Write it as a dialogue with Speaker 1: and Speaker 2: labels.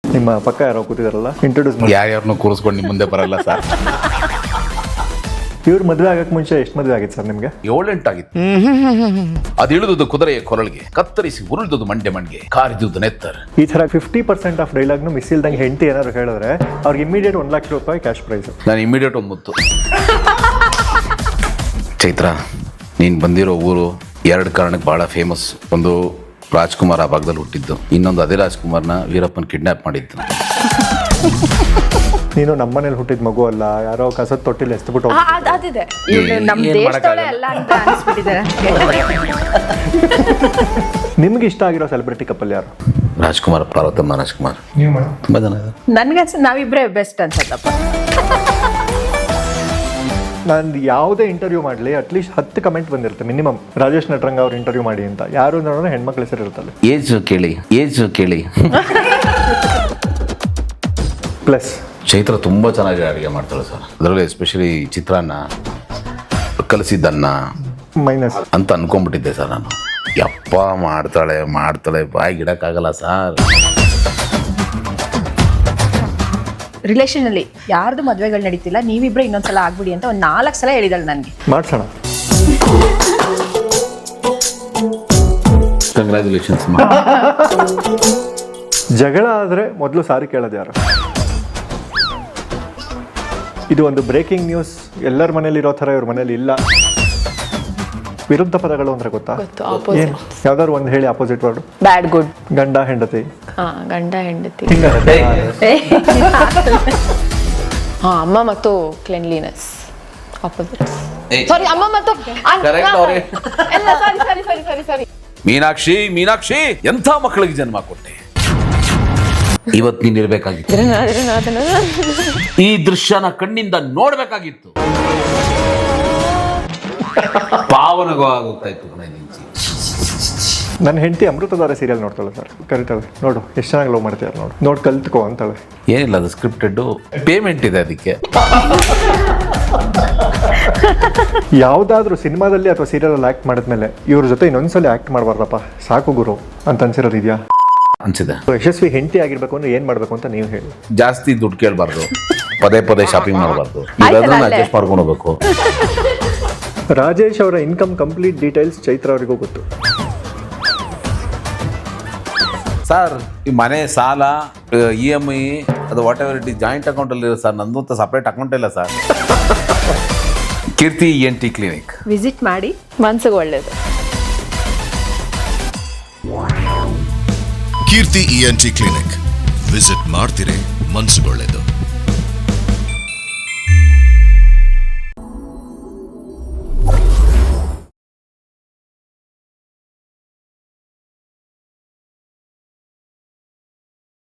Speaker 1: ನಿಮ್ಮ ಪಕ್ಕ ಯಾರೋ ಕೂತಿದಾರಲ್ಲ, ಇಂಟ್ರೊಡ್ಯೂಸ್ ಮಾಡಿ.
Speaker 2: ಯಾರ್ಯಾರನ್ನೂ ಕೂರಿಸ್ಕೊಂಡು ನಿಮ್ಮ ಮುಂದೆ ಬರಲ್ಲ ಸರ್.
Speaker 1: ಇವ್ರು ಮದುವೆ ಆಗಕ್ಕೆ ಮುಂಚೆ ಎಷ್ಟು ಮದುವೆ ಆಗಿತ್ತು ಸರ್ ನಿಮಗೆ?
Speaker 2: 7-8 ಆಗಿತ್ತು. ಅದು ಇಳಿದುದು ಕುದುರೆಯ ಕೊರಳಿಗೆ, ಕತ್ತರಿಸಿ ಉರುಳಿದುದು ಮಂಡೆ ಕಾರಿದುದು ನೆತ್ತರ್.
Speaker 1: ಈ ಥರ 50% ಆಫ್ ಡೈಲಾಗ್ನು ಮಿಸ್ ಇಲ್ದಂಗೆ ಹೆಂಡತಿ ಏನಾದ್ರು ಹೇಳಿದ್ರೆ ಅವ್ರಿಗೆ ಇಮಿಡಿಯೇಟ್ 1 ಲಕ್ಷ ರೂಪಾಯಿ ಕ್ಯಾಶ್ ಪ್ರೈಸ್.
Speaker 2: ನಾನು ಇಮಿಡಿಯೇಟ್ ಒಂದು ಮುತ್ತು. ಚೈತ್ರ, ನೀನು ಬಂದಿರೋ ಊರು 2 ಕಾರಣಕ್ಕೆ ಭಾಳ ಫೇಮಸ್. ಒಂದು, ರಾಜ್ಕುಮಾರ್ ಆ ಭಾಗದಲ್ಲಿ ಹುಟ್ಟಿದ್ದು. ಇನ್ನೊಂದು, ಅದೇ ರಾಜ್ಕುಮಾರ್ನ ವೀರಪ್ಪನ್ ಕಿಡ್ನಾಪ್ ಮಾಡಿದ್ದು.
Speaker 1: ನೀನು ನಮ್ಮನೇಲಿ ಹುಟ್ಟಿದ ಮಗು ಅಲ್ಲ, ಯಾರೋ ಕಸದ ತೊಟ್ಟಿಲಿ ಎಸ್ಬಿಟ್ಟು.
Speaker 3: ಅದಿದೆ, ನಮ್ಮ ದೇಶದೊಳಗೆ ಅಲ್ಲ ಅಂತ ಅನಿಸ್ಬಿಟ್ಟಿದ್ದಾರೆ.
Speaker 1: ನಿಮ್ಗೆ ಇಷ್ಟ ಆಗಿರೋ ಸೆಲೆಬ್ರಿಟಿ ಕಪಲ್ ಯಾರು?
Speaker 2: ರಾಜ್ಕುಮಾರ್, ಪಾರ್ವತಮ್ಮ ರಾಜ್ಕುಮಾರ್. ತುಂಬ ಜನ ಇದ್ದಾರೆ.
Speaker 3: ನನಗೆ ನಾವಿಬ್ರೇ ಬೆಸ್ಟ್ ಅನ್ಸತ್ತಪ್ಪ.
Speaker 1: ನಾನು ಯಾವುದೇ ಇಂಟರ್ವ್ಯೂ ಮಾಡಲಿ ಅಟ್ಲೀಸ್ಟ್ 10 ಕಮೆಂಟ್ ಬಂದಿರುತ್ತೆ ಮಿನಿಮಮ್, ರಾಜೇಶ್ ನಟರಂಗ ಅವ್ರು ಇಂಟರ್ವ್ಯೂ ಮಾಡಿ ಅಂತ. ಯಾರು ನೋಡೋಣ ಹೆಣ್ಮಕ್ಳ ಹೆಸರು ಇರುತ್ತಲ್ಲ.
Speaker 2: ಏಜ್ ಕೇಳಿ.
Speaker 1: ಪ್ಲಸ್
Speaker 2: ಚೈತ್ರ ತುಂಬ ಚೆನ್ನಾಗಿ ಅಡುಗೆ ಮಾಡ್ತಾಳೆ ಸರ್. ಅದರಲ್ಲಿ ಎಸ್ಪೆಷಲಿ ಚಿತ್ರಾನ್ನ, ಕಲಸಿದ್ದನ್ನ
Speaker 1: ಮೈನಸ್
Speaker 2: ಅಂತ ಅನ್ಕೊಂಡ್ಬಿಟ್ಟಿದ್ದೆ ಸರ್ ನಾನು. ಯಪ್ಪ ಮಾಡ್ತಾಳೆ ಬಾಯಿಗೆ ಇಡಕ್ಕಾಗಲ್ಲ ಸರ್.
Speaker 3: ರಿಲೇಷನ್ ಅಲ್ಲಿ ಯಾರ್ದು ಮದ್ವೆಗಳು ನಡೀತಿಲ್ಲ, ನೀವಿಬ್ರೆ ಇನ್ನೊಂದ್ಸಲ ಆಗ್ಬಿಡಿ ಅಂತ 4 ಸಲ ಹೇಳಿದಳು ನನಗೆ.
Speaker 1: ಮಾಡ್ಸೋಣ.
Speaker 2: ಕಂಗ್ರ್ಯಾಚುಲೇಷನ್ಸ್.
Speaker 1: ಜಗಳ ಆದರೆ ಮೊದಲು ಸಾರಿ ಕೇಳೋದು ಯಾರು? ಇದು ಒಂದು ಬ್ರೇಕಿಂಗ್ ನ್ಯೂಸ್. ಎಲ್ಲರ ಮನೇಲಿ ಇರೋ ಥರ ಇವ್ರ ಮನೇಲಿ ಇಲ್ಲ. ವಿರುದ್ಧ ಪದಗಳು ಅಂದ್ರೆ ಗೊತ್ತಾ? ಏನು? ಯಾವ್ದಾದ್ರು ಒಂದು ಹೇಳಿ, ಆಪೋಸಿಟ್ ವರ್ಡ್.
Speaker 3: Bad good.
Speaker 1: ಗಂಡ ಹೆಂಡತಿ.
Speaker 3: ಗಂಡ ಹೆಂಡತಿ.
Speaker 4: ಅಮ್ಮ ಮತ್ತು ಕ್ಲೆನ್ಲಿನೆಸ್ ಆಪೋಸಿಟ್. ಸಾರಿ, ಅಮ್ಮ ಮತ್ತು ಸಾರಿ.
Speaker 2: ಮೀನಾಕ್ಷಿ ಎಂಥ ಮಕ್ಕಳಿಗೆ ಜನ್ಮ ಕೊಟ್ಟೆ. ಇವತ್ತು ನೀನ್ ಇರ್ಬೇಕಾಗಿತ್ತು. ಈ ದೃಶ್ಯನ ಕಣ್ಣಿಂದ ನೋಡ್ಬೇಕಾಗಿತ್ತು. ಪಾವನಗೋಗ್ತಾ ಇತ್ತು.
Speaker 1: ನನ್ನ ಹೆಂಡತಿ ಅಮೃತಧಾರೆ ಸೀರಿಯಲ್ ನೋಡ್ತಾಳೆ ಸರ್. ಕರಿತಾಳೆ, ನೋಡು ಎಷ್ಟು ಚೆನ್ನಾಗಿ ಲವ್ ಮಾಡ್ತೀಯ, ನೋಡಿ ಕಲ್ತ್ಕೋ ಅಂತಾಳೆ.
Speaker 2: ಏನಿಲ್ಲ, ಅದು ಸ್ಕ್ರಿಪ್ಟೆಡ್, ಪೇಮೆಂಟ್ ಇದೆ ಅದಕ್ಕೆ.
Speaker 1: ಯಾವುದಾದ್ರೂ ಸಿನಿಮಾದಲ್ಲಿ ಅಥವಾ ಸೀರಿಯಲಲ್ಲಿ ಆ್ಯಕ್ಟ್ ಮಾಡಿದ್ಮೇಲೆ ಇವ್ರ ಜೊತೆ ಇನ್ನೊಂದ್ಸಲ ಆ್ಯಕ್ಟ್ ಮಾಡಬಾರ್ದಪ್ಪ, ಸಾಕು ಗುರು ಅಂತ ಅನ್ಸಿರೋದು ಇದೆಯಾ?
Speaker 2: ಅನ್ಸಿದೆ.
Speaker 1: ಯಶಸ್ವಿ ಹೆಂಡತಿ ಆಗಿರ್ಬೇಕು ಅಂದ್ರೆ ಏನ್ ಮಾಡ್ಬೇಕು ಅಂತ ನೀವು ಹೇಳಿ.
Speaker 2: ಜಾಸ್ತಿ ದುಡ್ಡು ಕೇಳಬಾರ್ದು, ಪದೇ ಶಾಪಿಂಗ್ ಮಾಡಬಾರ್ದು, ಅಡ್ಜಸ್ಟ್ ಮಾಡ್ಕೊಂಡು ಹೋಗ್ಬೇಕು.
Speaker 1: ರಾಜೇಶ್ ಅವರ ಇನ್ಕಮ್ ಕಂಪ್ಲೀಟ್ ಡೀಟೇಲ್ಸ್ ಚೈತ್ರ ಅವರಿಗೂ ಗೊತ್ತು
Speaker 2: ಸರ್. ಈ ಮನೆ ಸಾಲ, EMI, ಅದು whatever it is joint ಅಕೌಂಟಲ್ಲಿ ಇರೋ ಸರ್. ನಂದು ಅಂತ ಸಪ್ರೇಟ್ ಅಕೌಂಟ್ ಇಲ್ಲ sir. Keerthi ENT clinic
Speaker 3: visit ಮಾಡಿ,
Speaker 4: ಮನ್ಸಿಗೆ ಒಳ್ಳೇದು.
Speaker 5: ಕೀರ್ತಿ ENT ಕ್ಲಿನಿಕ್ ವಿಸಿಟ್ ಮಾಡ್ತಿರೇ, ಮನ್ಸುಗೊಳ್ಳೆದು.